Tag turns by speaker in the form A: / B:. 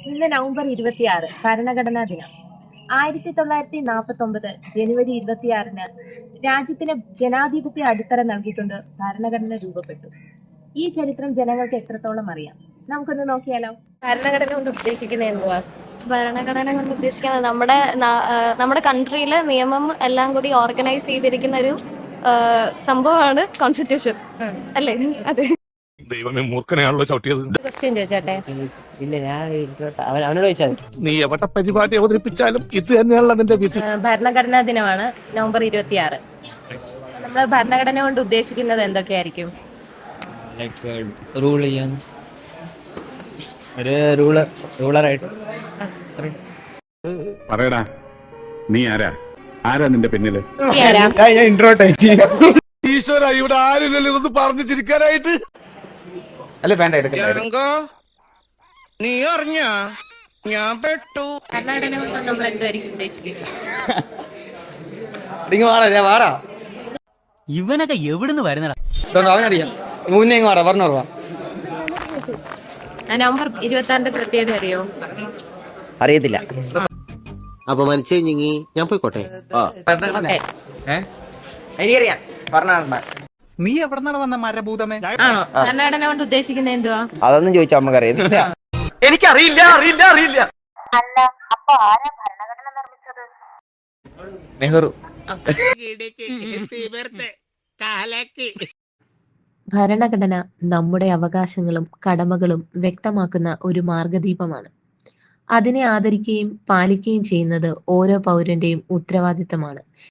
A: ഇന്ന് നവംബർ 26 ഭരണഘടനാ ദിനം. 1949 ജനുവരി 26-ന് രാജ്യത്തിന് ജനാധിപത്യ അടിത്തറ നൽകിക്കൊണ്ട് ഭരണഘടന രൂപപ്പെട്ടു. ഈ ചരിത്രം ജനങ്ങൾക്ക് എത്രത്തോളം അറിയാം? നമുക്കൊന്ന് നോക്കിയാലോ. ഭരണഘടന കൊണ്ട് ഉദ്ദേശിക്കുന്നത് എന്തുവാ?
B: ഭരണഘടന കൊണ്ട് ഉദ്ദേശിക്കുന്നത് നമ്മുടെ കൺട്രിയിലെ നിയമം എല്ലാം കൂടി ഓർഗനൈസ് ചെയ്തിരിക്കുന്ന ഒരു സംഭവമാണ് കോൺസ്റ്റിറ്റ്യൂഷൻ അല്ലേ? അതെ.
C: ദൈവമേ, മൂർഖനെയാണല്ലോ ചവിട്ടിയത്.
A: ക്വസ്റ്റ്യൻ ചോദിച്ചോട്ടെ.
D: ഇല്ല, ഞാൻ അവനോട് ചോദിച്ചാൽ
C: നീ എവിടെ പരിപാടി അവതരിപ്പിച്ചാലും ഇത് തന്നെയാണല്ലോ നിന്റെ വിധി.
A: ഭരണഘടനാ ദിനമാണ് നവംബർ 26. നമ്മൾ ഭരണഘടന കൊണ്ട് ഉദ്ദേശിക്കുന്നത് എന്തൊക്കെയായിരിക്കും?
D: ലൈക്ക് റൂൾ ചെയ്യാൻ ഒരു റൂളറായിട്ട്.
E: പറയടാ, നീ ആരാ നിന്റെ പിന്നില്?
C: ഈശ്വര, ഇവിടെ ആരില്ലല്ലോ ഇതൊന്ന് പറഞ്ഞു ചിരിക്കാനായിട്ട്.
D: അല്ല, വേണ്ട, എടുക്കണ്ട.
F: നീ അറിഞ്ഞ ഞാൻ പെട്ടു.
A: ഭരണഘടന കൊണ്ട് നമ്മൾ എന്തായിരിക്കും ഉദ്ദേശിക്കുന്നത്?
D: വാടാ.
G: ഇവനൊക്കെ എവിടുന്ന് വരുന്നടാ?
D: അവനറിയാം. മുന്നേ വാടാ, പറഞ്ഞോർവാ.
A: നവംബർ 26-ന്റെ പ്രത്യേകത അറിയോ?
D: അറിയത്തില്ല.
H: അപ്പൊ മനസ്സിഞ്ഞി ഞാൻ പോയിക്കോട്ടെ.
D: എനിക്കറിയാം. പറഞ്ഞ
G: നീ എവിടെന്നാണ് വന്ന മരഭൂതമേ?
A: ആണോ? ഭരണഘടന കൊണ്ട് ഉദ്ദേശിക്കുന്നത് എന്തുവാ?
D: അതൊന്നും ചോദിച്ചാ നമുക്ക് അറിയത്തില്ല. എനിക്കറിയില്ല. നെഹ്റു.
A: ഭരണഘടന നമ്മുടെ അവകാശങ്ങളും കടമകളും വ്യക്തമാക്കുന്ന ഒരു മാർഗദീപമാണ്. അതിനെ ആദരിക്കുകയും പാലിക്കുകയും ചെയ്യുന്നത് ഓരോ പൗരന്റെയും ഉത്തരവാദിത്തമാണ്.